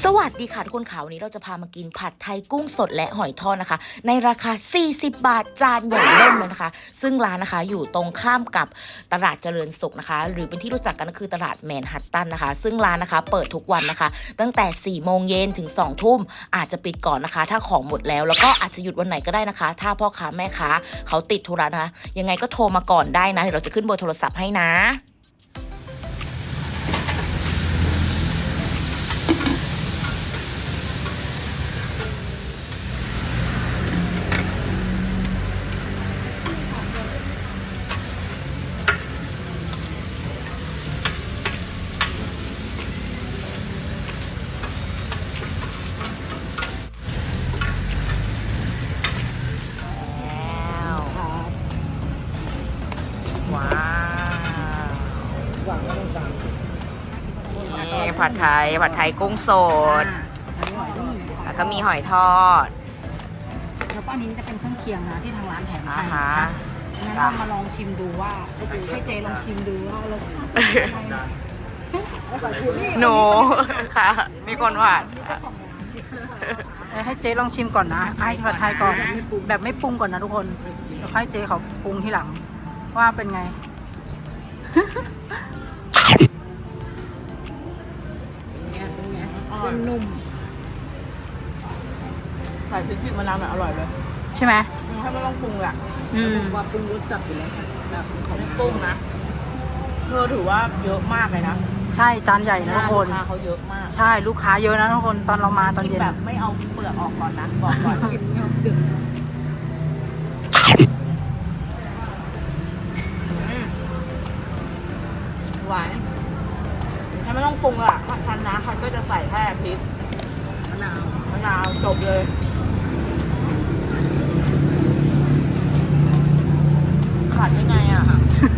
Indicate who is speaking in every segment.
Speaker 1: สวัสดีค่ะทุกคนค่ะวันนี้เราจะพามากินผัดไทยกุ้งสดและหอยทอดนะคะในราคา40 บาทจานใหญ่เล่มเลยนะคะซึ่งร้านนะคะอยู่ตรงข้ามกับตลาดเจริญสุขนะคะหรือเป็นที่รู้จักกันก็คือตลาดแมนฮัตตันนะคะซึ่งร้านนะคะเปิดทุกวันนะคะตั้งแต่4 โมงเย็นถึง2 ทุ่มอาจจะปิดก่อนนะคะถ้าของหมดแล้วก็อาจจะหยุดวันไหนก็ได้นะคะถ้าพ่อค้าแม่ค้าเขาติดธุระนะคะยังไงก็โทรมาก่อนได้นะเดี๋ยวเราจะขึ้นเบอร์โทรศัพท์ให้นะว้าวนี่ผัดไทยกุ้งสดแล้วก็มีหอยทอด
Speaker 2: แล้วก็อันนี้จะเป็นเครื่องเคียงนะที่ทางร้านแถมให้งั้น
Speaker 1: เรา
Speaker 2: มาลองชิมดูว่าให้เจลองชิมดูว่าเรา
Speaker 1: หนูค่ะมีคนหวาน
Speaker 2: ให้เจลองชิมก่อนนะให้ผัดไทยก่อนแบบไม่ปรุงก่อนนะทุกคนแล้วให้เจเขาปรุงทีหลังว่าเป็นไง
Speaker 1: เส้นนุ่มใส่พริกมะนาวหน่อยอร่อยเลย
Speaker 2: ใช่ไหม
Speaker 1: ถ้าไม่ต้องปรุงอ่ะ
Speaker 2: ว่าปรุงรสจัดอยู่แล้วแบบ
Speaker 1: ไม่ปรุงนะเธอถือว่าเยอะมากเลยนะ
Speaker 2: ใช่จานใหญ่นะทุกคน
Speaker 1: ลูกค้าเขาเยอะมาก
Speaker 2: ใช่ลูกค้าเยอะนะทุกคนตอนเรามาตอนเย็น
Speaker 1: แบบไม่เอาเปลือกออกก่อนนะบอกก่อนดึกหวานถ้าไม่ต้องปรุงอ่ะทันนะคันก็จะใส่แค่พริกมะนาวจบเลยขาดได้ไงอ่ะ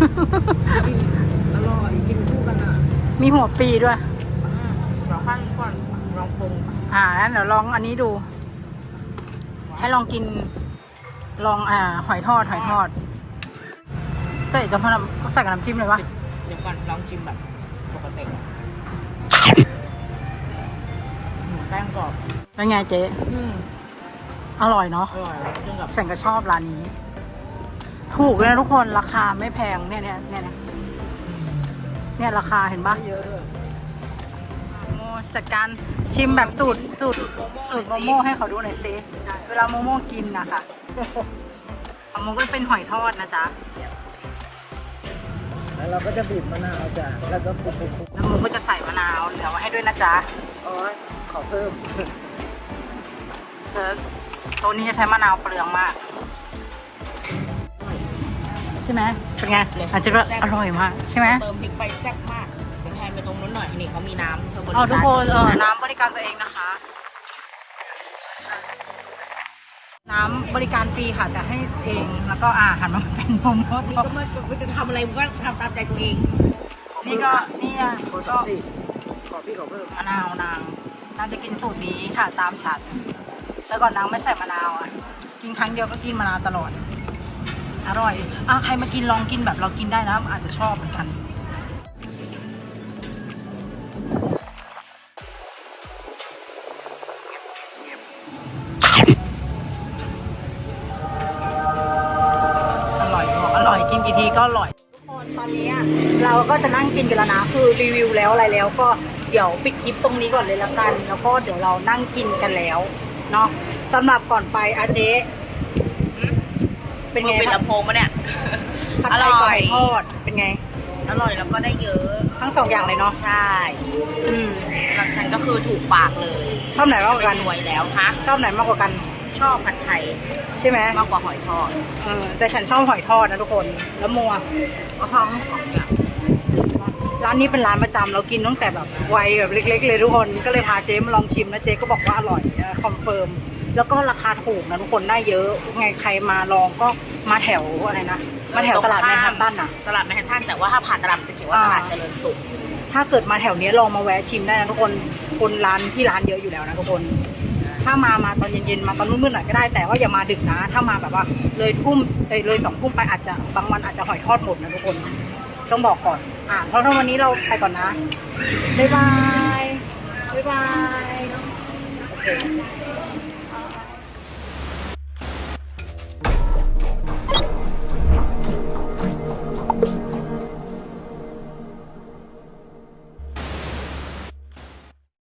Speaker 2: อร่อยกินคู่กันอ่ะมีหัวปีด้วย
Speaker 1: เดี๋ยวขั้นก่อนลองปรุง
Speaker 2: งั้นเดี๋ยวลองอันนี้ดูให้ลองกินลองหอยทอดใส่กับใส่กับน้ำจิ้มเลยวะ
Speaker 1: เดี๋ยวก่อนลองชิมแบบปกติแป้งกรอบ
Speaker 2: เป็นไงเจ๊อร่อยเนาะ
Speaker 1: อร่อยซึ่งกับ
Speaker 2: ฉันก็ชอบร้านนี้ถูกเลยนะทุกคนราคาไม่แพงเนี่ยราคาเห็นปะ
Speaker 1: เยอะด้วย
Speaker 2: จัดการชิมแบบสูตรโมโม่ให้เขาดูหน่อยสิเวลาโมโม่กินนะคะของโมก็เป็นหอยทอดนะจ๊ะ
Speaker 1: แล้วเราก็จะบีบมะนาวจ้ะแล้วก็ปุ๊บ
Speaker 2: แล้วโมก็จะใส่มะนาวเหลือไว้ให้ด้วยนะจ๊ะ
Speaker 1: ขอเพิ่ม
Speaker 2: ตัวนี้จะใช้มะนาวเปลืองมากใช่ไหมเป็นไงอาจจะอร่อยมากใช่ไหม
Speaker 1: เติมพริกไปแซ่บมากเดี๋ยวแทนไปตรงนู้นหน่อยนี่เขามีน้ำ
Speaker 2: ทุกคนน้ำบริการตัวเองนะคะน้ำบริการฟรีค่ะแต่ให้เองแล้วก็หันมาเป็นโมโม่
Speaker 1: นี่ก็ไม่จะทำอะไรมันก็ทำตามใจตัวเอง
Speaker 2: นี่ก็ขอพี่ขอเพิ่มมะนาวนางจะกินสูตรนี้ค่ะตามฉันแต่ก่อนนางไม่ใส่มะนาวกินครั้งเดียวก็กินมะนาวตลอดอร่อยใครมากินลองกินแบบเรากินได้นะอาจจะชอบเหมือนกันอร่อยกินกี่ทีก็อร่อยทุกคนตอนนี้เราก็จะนั่งกินกันแล้วนะคือรีวิวแล้วอะไรแล้วก็เดี๋ยวปิดคลิปตรงนี้ก่อนเลยละกันแล้วก็เดี๋ยวเรานั่งกินกันแล้วเนาะสำหรับก่อนไปเจ๊เป็นไง
Speaker 1: เป็นลำโพงมาเนี่ย
Speaker 2: อร่อยทอดเป็นไง
Speaker 1: อร่อยแล้วก็ได้เยอะ
Speaker 2: ทั้ง2 อย่างเลยเนาะ
Speaker 1: ใช่สำหรับฉันก็คือถูกปากเลย
Speaker 2: ชอบไหนมากกว่ากัน
Speaker 1: สวยแล้วฮะ
Speaker 2: ชอบไหนมากกว่ากัน
Speaker 1: ชอบผัดไทย
Speaker 2: ใช่ไหม
Speaker 1: มากกว่าหอยทอด
Speaker 2: แต่ฉันชอบหอยทอดนะทุกคนแล้วมัว
Speaker 1: ก็ชอบทั้งสองอย่าง
Speaker 2: ร้านนี้เป็นร้านประจำเรากินตั้งแต่แบบวัยแบบเล็กๆเลยทุกคนก็เลยพาเจ๊มาลองชิมนะเจ๊ก็บอกว่าอร่อยคอนเฟิร์มแล้วก็ราคาถูกนะทุกคนได้เยอะไงใครมาลองก็มาแถวอะไรนะมาแถวตลาดแมนฮัตตัน
Speaker 1: ตลาดแมนฮัตตันแต่ว่าถ้าผ่านตลาดจะเขียนว่าตลาดเจริญสุข
Speaker 2: ถ้าเกิดมาแถวนี้ลองมาแวะชิมได้นะทุกคนคนร้านที่ร้านเยอะอยู่แล้วนะทุกคนถ้ามาตอนเย็นๆมาตอนมืดๆหน่อยก็ได้แต่ว่าอย่ามาดึกนะถ้ามาแบบว่าเลย2 ทุ่มไปอาจจะบางวันอาจจะหอยทอดหมดนะทุกคนต้องบอกก่อนเพราะถ้าวันนี้เราไปก่อนนะบ๊ายบายบ๊ายบาย